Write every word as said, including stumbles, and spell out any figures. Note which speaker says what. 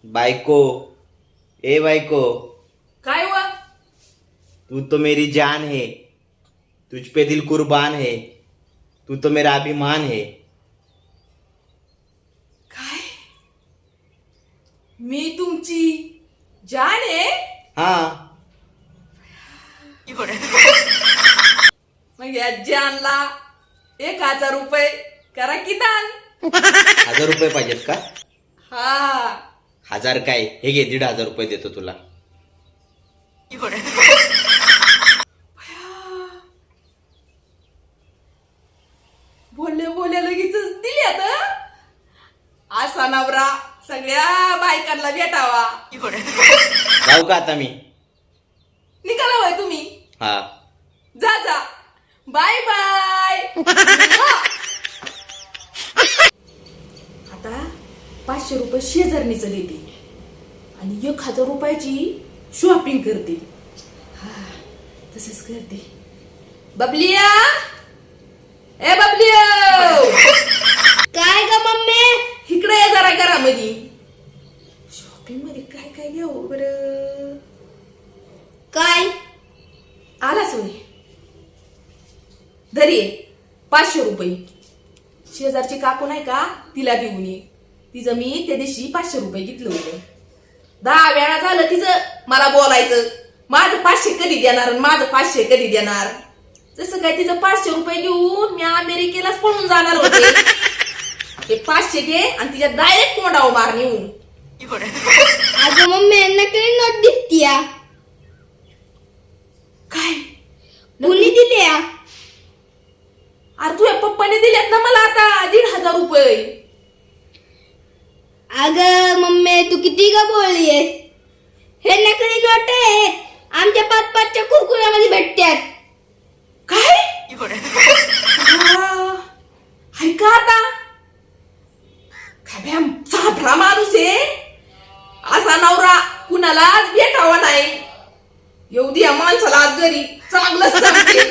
Speaker 1: बायको, ए बायको,
Speaker 2: काय व
Speaker 1: तू तो मेरी जान है, तुझ पे दिल कुर्बान है, तू तो मेरा अभिमान है.
Speaker 2: काय मी तुमची जान आहे.
Speaker 1: हा,
Speaker 2: मग या जानला एक हजार रुपये करा की दान.
Speaker 1: हजार रुपये पाहिजेत का?
Speaker 2: हा
Speaker 1: हजार काय, हे घे, दीड हजार रुपये देतो तुला.
Speaker 2: बोलले बोलले लगेच दिली आता. असा नवरा सगळ्या बायकांना भेटावा.
Speaker 1: जाऊ का आता मी?
Speaker 2: निघाला होय तुम्ही.
Speaker 1: हा,
Speaker 2: जा जा, बाय बाय. आता पाचशे रुपये शेजारणीचं देते आणि एक हजार रुपयाची शॉपिंग करते. हा तसंच करते. बबलिया, ए बबलिया,
Speaker 3: काय ग मम्मी?
Speaker 2: इकडे ये जरा घरामध्ये. शॉपिंग मध्ये काय काय घेऊ बर?
Speaker 3: काय
Speaker 2: आलाच होय. धरी पाचशे रुपये. शेजारची काकू नाही का, तिला देऊन ये. तिचं मी त्या दिवशी पाचशे रुपये घेतलं होतं. दहा वेळा झालं तिचं मला बोलायचं, माझं पाचशे कधी देणार आणि माझं पाचशे कधी देणार. जसं काय तिचं पाचशे रुपये घेऊन मी अमेरिकेलाच पळून जाणार होते. हे पाचशे घे आणि तिच्या डायरेक्ट कोंडावर मार नेऊन.
Speaker 3: अगं मम्मी नकली नोट दिसतीया.
Speaker 2: काय
Speaker 3: कुणी दिल्या?
Speaker 2: अरे तुझ्या पप्पाने दिल्यात ना मला आता दीड हजार रुपये.
Speaker 3: अगं मम्मी तू किती ग बोललीयस? हे नकली नोट आहेत, आमच्या पाच पाचच्या कुरकुऱ्यामध्ये भेटतात.
Speaker 2: काय ऐका आता, काय भ्याम साधरा माणूस आहे. असा नवरा कुणालाच भेटावा नाही. येऊ द्या माणसाला आज घरी चांगलं सांगते.